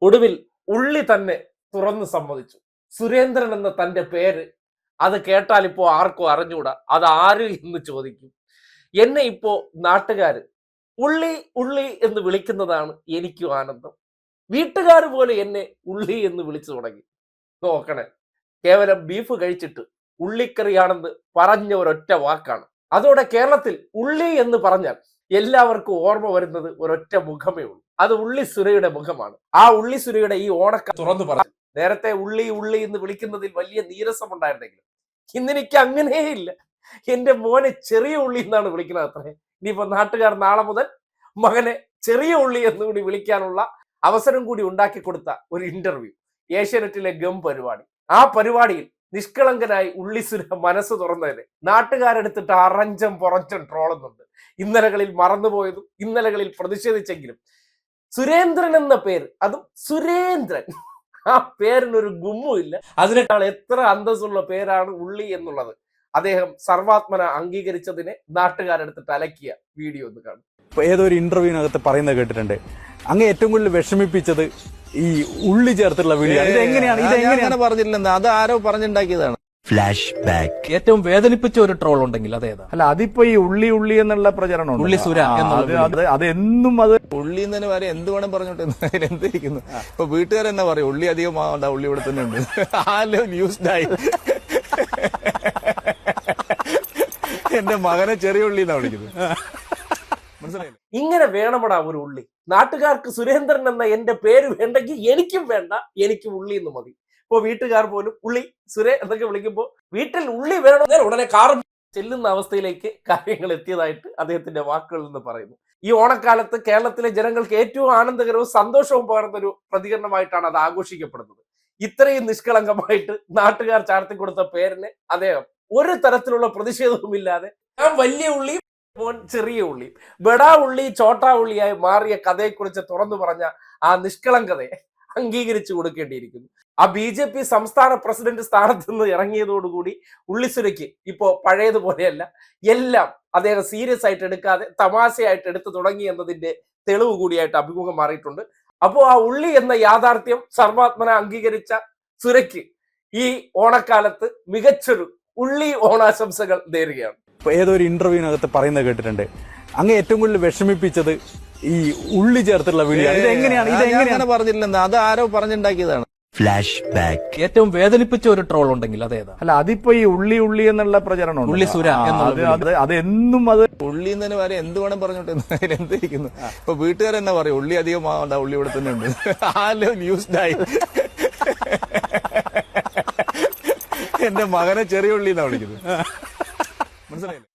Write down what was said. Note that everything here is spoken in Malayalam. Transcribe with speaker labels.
Speaker 1: ഒടുവിൽ ഉള്ളി തന്നെ തുറന്നു സമ്മതിച്ചു. സുരേന്ദ്രൻ എന്ന തന്റെ പേര് അത് കേട്ടാൽ ഇപ്പോ ആർക്കും അറിഞ്ഞൂടാ, അത് ആര് എന്ന് ചോദിക്കും. എന്നെ ഇപ്പോ നാട്ടുകാര് ഉള്ളി ഉള്ളി എന്ന് വിളിക്കുന്നതാണ് എനിക്കും ആനന്ദം. വീട്ടുകാർ പോലെ എന്നെ ഉള്ളി എന്ന് വിളിച്ചു തുടങ്ങി. നോക്കണേ, കേവലം ബീഫ് കഴിച്ചിട്ട് ഉള്ളിക്കറിയാണെന്ന് പറഞ്ഞ ഒരൊറ്റ വാക്കാണ്. അതോടെ കേരളത്തിൽ ഉള്ളി എന്ന് പറഞ്ഞാൽ എല്ലാവർക്കും ഓർമ്മ വരുന്നത് ഒരൊറ്റ മുഖമേ ഉള്ളൂ. അത് ഉള്ളി സുരയുടെ മുഖമാണ്. ആ ഉള്ളി സുരയുടെ ഈ ഓണക്ക തുറന്നു പറഞ്ഞു. നേരത്തെ ഉള്ളി ഉള്ളി എന്ന് വിളിക്കുന്നതിൽ വലിയ നീരസം ഉണ്ടായിരുന്നെങ്കിലും ഇന്നെനിക്ക് അങ്ങനെയില്ല. എന്റെ മോനെ ചെറിയ ഉള്ളി എന്നാണ് വിളിക്കുന്നത് അത്രേ. ഇനിയിപ്പോ നാട്ടുകാർ നാളെ മുതൽ മകനെ ചെറിയ ഉള്ളി എന്നുകൂടി വിളിക്കാനുള്ള അവസരം കൂടി ഉണ്ടാക്കി കൊടുത്ത ഒരു ഇന്റർവ്യൂ ഏഷ്യാനെറ്റിലെ ഗം പരിപാടി. ആ പരിപാടിയിൽ നിഷ്കളങ്കനായി ഉള്ളിസുര മനസ്സ് തുറന്നതിന് നാട്ടുകാരെടുത്തിട്ട് അറഞ്ചം പുറഞ്ചം ട്രോളുന്നുണ്ട്. ഇന്നലകളിൽ മറന്നുപോയതും ഇന്നലകളിൽ പ്രതിഷേധിച്ചെങ്കിലും സുരേന്ദ്രൻ എന്ന പേര്, അതും സുരേന്ദ്രൻ, ആ പേരിനൊരു ഗുമ്മുമില്ല. അതിനേക്കാൾ എത്ര അന്തസ്സുള്ള പേരാണ് ഉള്ളി എന്നുള്ളത് അദ്ദേഹം സർവാത്മന അംഗീകരിച്ചതിനെ നാട്ടുകാരെടുത്തിട്ട് അലക്കിയ വീഡിയോ ഒന്ന് കാണും.
Speaker 2: ഏതൊരു ഇന്റർവ്യൂവിനകത്ത് പറയുന്നത് കേട്ടിട്ടുണ്ട്, അങ്ങ് ഏറ്റവും കൂടുതൽ വിഷമിപ്പിച്ചത് ഈ ഉള്ളി ചേർത്തുള്ള വീഡിയോ. ഇതെങ്ങനെയാണ്
Speaker 3: പറഞ്ഞില്ലെന്ന്, അത് ആരോ പറഞ്ഞുണ്ടാക്കിയതാണ്.
Speaker 4: Flash back.
Speaker 5: ഏറ്റവും വേദനിപ്പിച്ച ഒരു ട്രോൾ ഉണ്ടെങ്കിൽ അതേതാ?
Speaker 2: അല്ല, അതിപ്പോ ഈ ഉള്ളി ഉള്ളി എന്നുള്ള പ്രചരണം
Speaker 5: ഉള്ളി സുര
Speaker 2: അതെന്നും അത്
Speaker 3: ഉള്ളി തന്നെ വരെ എന്ത് വേണം പറഞ്ഞോട്ടെ, എന്തിരിക്കുന്നു. ഇപ്പൊ വീട്ടുകാരെന്നാ പറയും ഉള്ളി അധികം ആവണ്ട, ഉള്ളി ഇവിടെ തന്നെ ഉണ്ട്. ആലോ ന്യൂസ്ഡായി എന്റെ മകനെ ചെറിയ ഉള്ളി എന്നാ വിളിക്കുന്നത്. മനസ്സിലായില്ലേ?
Speaker 1: ഇങ്ങനെ വേണമടാ ഒരു ഉള്ളി. നാട്ടുകാർക്ക് സുരേന്ദ്രൻ എന്ന എന്റെ പേര് വേണ്ടെങ്കിൽ എനിക്കും വേണ്ട, എനിക്ക് ഉള്ളി എന്ന് മതി. ഇപ്പൊ വീട്ടുകാർ പോലും ഉള്ളി സുരേ എന്നൊക്കെ വിളിക്കുമ്പോൾ വീട്ടിൽ ഉള്ളി വേണമെന്നാൽ ഉടനെ കാറും ചെല്ലുന്ന അവസ്ഥയിലേക്ക് കാര്യങ്ങൾ എത്തിയതായിട്ട് അദ്ദേഹത്തിന്റെ വാക്കുകളിൽ നിന്ന് പറയുന്നു. ഈ ഓണക്കാലത്ത് കേരളത്തിലെ ജനങ്ങൾക്ക് ഏറ്റവും ആനന്ദകരവും സന്തോഷവും പകർന്ന ഒരു പ്രതികരണമായിട്ടാണ് അത് ആഘോഷിക്കപ്പെടുന്നത്. ഇത്രയും നിഷ്കളങ്കമായിട്ട് നാട്ടുകാർ ചാർത്തിക്കൊടുത്ത പേരിന് അദ്ദേഹം ഒരു തരത്തിലുള്ള പ്രതിഷേധവും ഇല്ലാതെ ഞാൻ വലിയ ഉള്ളി മോൻ ചെറിയ ഉള്ളി, ബഡാ ഉള്ളി ചോട്ടാ ഉള്ളിയായി മാറിയ കഥയെക്കുറിച്ച് തുറന്നു പറഞ്ഞ ആ നിഷ്കളങ്കതയെ അംഗീകരിച്ചു കൊടുക്കേണ്ടിയിരിക്കുന്നു. ആ BJP സംസ്ഥാന പ്രസിഡന്റ് സ്ഥാനത്ത് നിന്ന് ഇറങ്ങിയതോടുകൂടി ഉള്ളിസുരയ്ക്ക് ഇപ്പോ പഴയതുപോലെയല്ല, എല്ലാം അദ്ദേഹം സീരിയസ് ആയിട്ട് എടുക്കാതെ തമാശയായിട്ട് എടുത്തു തുടങ്ങി എന്നതിന്റെ തെളിവ് കൂടിയായിട്ട് അഭിമുഖം മാറിയിട്ടുണ്ട്. അപ്പോ ആ ഉള്ളി എന്ന യാഥാർത്ഥ്യം സർവാത്മന അംഗീകരിച്ച സുരയ്ക്ക് ഈ ഓണക്കാലത്ത് മികച്ചൊരു ഉള്ളി ഓണാശംസകൾ നേരുകയാണ്.
Speaker 2: ഏതൊരു ഇന്റർവ്യൂവിനകത്ത് പറയുന്നത് കേട്ടിട്ടുണ്ട്, അങ്ങ് ഏറ്റവും കൂടുതൽ വിഷമിപ്പിച്ചത് ഈ ഉള്ളി ചേർത്തുള്ള വീഡിയോ.
Speaker 3: ഇതെങ്ങനെയാണ് പറഞ്ഞില്ലെന്ന്, അത് ആരോ പറഞ്ഞുണ്ടാക്കിയതാണ്.
Speaker 4: Flash back.
Speaker 5: ഏറ്റവും വേദനിപ്പിച്ച ഒരു ട്രോൾ ഉണ്ടെങ്കിൽ അതേതാ?
Speaker 2: അല്ല, അതിപ്പോ ഈ ഉള്ളി ഉള്ളി എന്നുള്ള പ്രചരണം
Speaker 5: ഉള്ളി സുര
Speaker 2: അതെന്നും അത്
Speaker 3: ഉള്ളി തന്നെ വരെ എന്ത് വേണം പറഞ്ഞോട്ടെ, എന്തിരിക്കുന്നു. ഇപ്പൊ വീട്ടുകാരെന്നാ പറയും ഉള്ളി അധികം ആവണ്ട, ഉള്ളി ഇവിടെ തന്നെ ഉണ്ട്. ആലോ ന്യൂസ്ഡായി എന്റെ മകനെ ചെറിയ ഉള്ളി എന്നാ വിളിക്കുന്നത്. മനസ്സിലായില്ലേ?